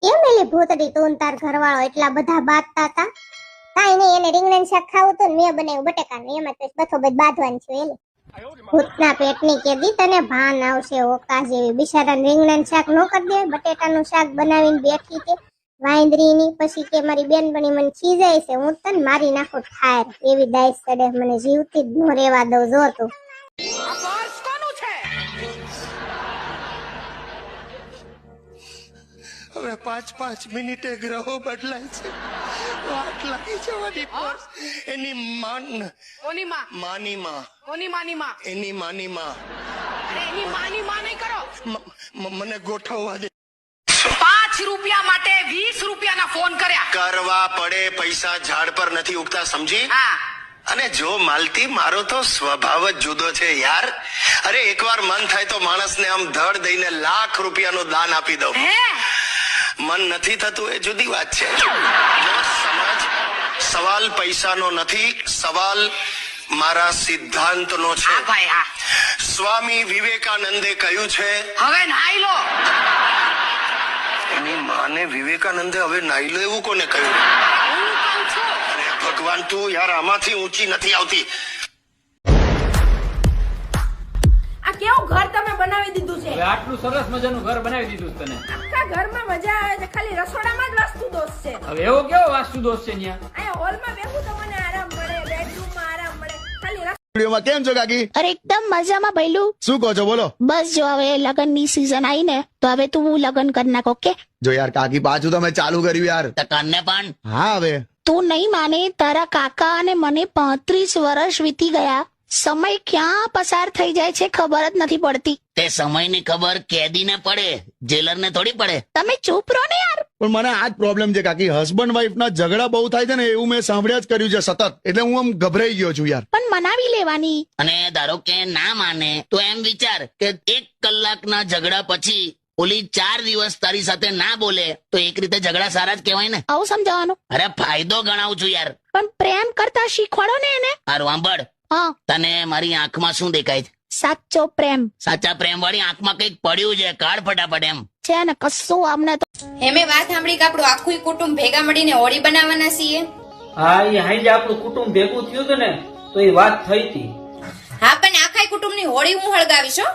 કેમ એલી ભૂતડી તું તાર ઘરવાળો એટલા બધા બાતતા હતા? કાઈ નહીં, એને રીંગણાનું શાક ખાવું હતું ને મેં બનાવ્યું બટેકાનું, એમાં તો બથો બધ બાંધવાનું છે. એલી ભૂતના પેટની કેદી તને ભાન આવશે ઓકા જેવી. બિચારાને રીંગણાનું શાક નો કરી દે, બટેટાનું શાક બનાવીને બેઠી તે વાંદરીની. પછી કે મારી બેનપણી મને ખીજાય છે, હું તને મારી નાખું ઠાર. એવી દાઈસ ચડે, મને જીવતી જ નો રેવા દઉં. જો તું હવે 5-5 મિનિટે ગ્રહો બદલાય છે. વાટ લાગી જવાની પર એની કોની માં? માની માં. કોની માની માં? એની માની માં. અરે એની માની માં નહીં કરો. મને ગોઠવવા દે. 5 રૂપિયા માટે 20 રૂપિયાના ફોન કર્યા. કરવા પડે, પૈસા ઝાડ પર નથી ઉગતા, સમજી? હા. અને જો માલતી, મારો તો સ્વભાવ જ જુદો છે યાર. અરે એકવાર મન થાય તો માણસને આમ ધડ દઈને લાખ રૂપિયાનું દાન આપી દઉં. હે? મન નથી થતું એ જુદી વાત છે. જો સમજ, સવાલ પૈસાનો નથી, સવાલ મારા સિદ્ધાંતનો છે. હા ભાઈ હા. સ્વામી વિવેકાનંદે કહ્યું છે, હવે નાઈ લો. એની માને વિવેકાનંદે હવે નાઈ લો એવું કોને કહ્યું? હું કહું છું. અરે ભગવાન, તું યાર આમાંથી ઊંચી નથી આવતી. આ કેવું ઘર તમે બનાવી દીધું છે? હવે આટલું સરસ મજાનું ઘર બનાવી દીધું છે તને. આખા ઘરમાં મજા આવે છે, ખાલી રસોડામાં જ વાસ્તુ દોષ છે. હવે એવો કેવો વાસ્તુ દોષ છે ન્યા? અહીંયા હોલમાં બેઠું તો મને આરામ મળે, બેડરૂમમાં આરામ મળે, ખાલી વિડીયોમાં કેમ છો કાકી? અરે એકદમ મજામાં ભઈલું. શું કહો છો, બોલો. બસ જો હવે લગનની સીઝન આવી ને તો હવે તું લગન કરી નાખ. ઓકે? જો યાર કાકી, પાછું તમે ચાલુ કર્યું યાર. તને પણ હા, હવે તું નહીં માને, તારા કાકા અને મને 35 વર્ષ વીતી ગયા. સમય ક્યાં પસાર થઈ જાય છે ખબર જ નથી પડતી. તે સમયની ખબર કેદીને પડે, જેલરને થોડી પડે. તમે ચૂપ રહો ને યાર. પણ મને આ જ પ્રોબ્લેમ છે કાકી, હસબન્ડ વાઈફ ના ઝઘડા બહુ થાય છે ને, એવું મેં સાંભળ્યા જ કર્યું છે સતત. એટલે હું આમ ગભરાઈ ગયો છું યાર. પણ મનાવી લેવાની. અને ધારો કે ના માને તો એમ વિચાર કે 1 કલાકના ઝઘડા પછી ઓલી 4 દિવસ તારી સાથે ના બોલે તો એક રીતે ઝઘડા સારા જ કહેવાય ને. આવું સમજાવવાનું. અરે ફાયદો ગણાવું છું યાર. પણ પ્રેમ કરતા શીખવાડો ને એને. હારું સાંભળ, હા, તને મારી આંખમાં શું દેખાય છે? સાચો પ્રેમ. સાચા પ્રેમ વાળી આંખમાં કઈક પડ્યું છે, કાઢ ફટાફટ. એમ છે ને કશું અમને તો. હેમે વાત સાંભળી કે આપણું આખું કુટુંબ ભેગા મળીને હોળી બનાવવાના છીએ. હા, એ હાઈ આપણું કુટુંબ ભેગું થયું હતું ને તો એ વાત થઈ હતી. હા, પણ આખા કુટુંબની હોળી હું હળગાવીશ હો.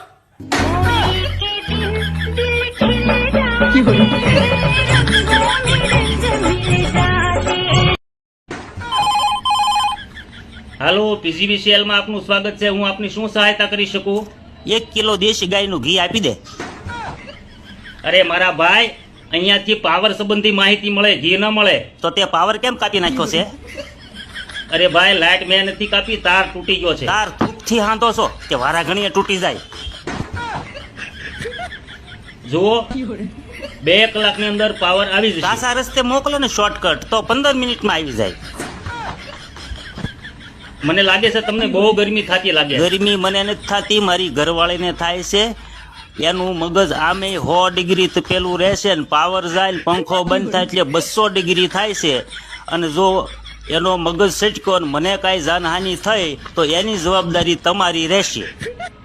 હાલો, PGBCL માં આપનું સ્વાગત છે. હું આપની શું સહાયતા કરી શકું? 1 કિલો દેશી ગાયનું ઘી આપી દે. અરે મારા ભાઈ, અહીંયાથી પાવર સંબંધી માહિતી મળે, ઘી ન મળે. તો તે પાવર કેમ કાપી નાખ્યો છે? અરે ભાઈ, લાઈટ મેં નથી કાપી, તાર તૂટી ગયો છે. તાર થૂકથી હાંધો છો કે વારા ઘણીએ તૂટી જાય? જુઓ, 2 કલાકની અંદર પાવર આવી જશે. કાસા રસ્તે મોકલો ને શોર્ટકટ, તો 15 મિનિટમાં આવી જાય. મને લાગે છે તમને બહુ ગરમી થતી લાગે. ગરમી મને નથી થતી, મારી ઘરવાળીને થાય છે. એનું મગજ આમે 100 ડિગ્રી પેલું રહેશે ને પાવર જાય ને પંખો બંધ થાય એટલે 200 ડિગ્રી થાય છે. અને જો એનો મગજ સટકો ને મને કાંઈ જાનહાનિ થઈ તો એની જવાબદારી તમારી રહેશે.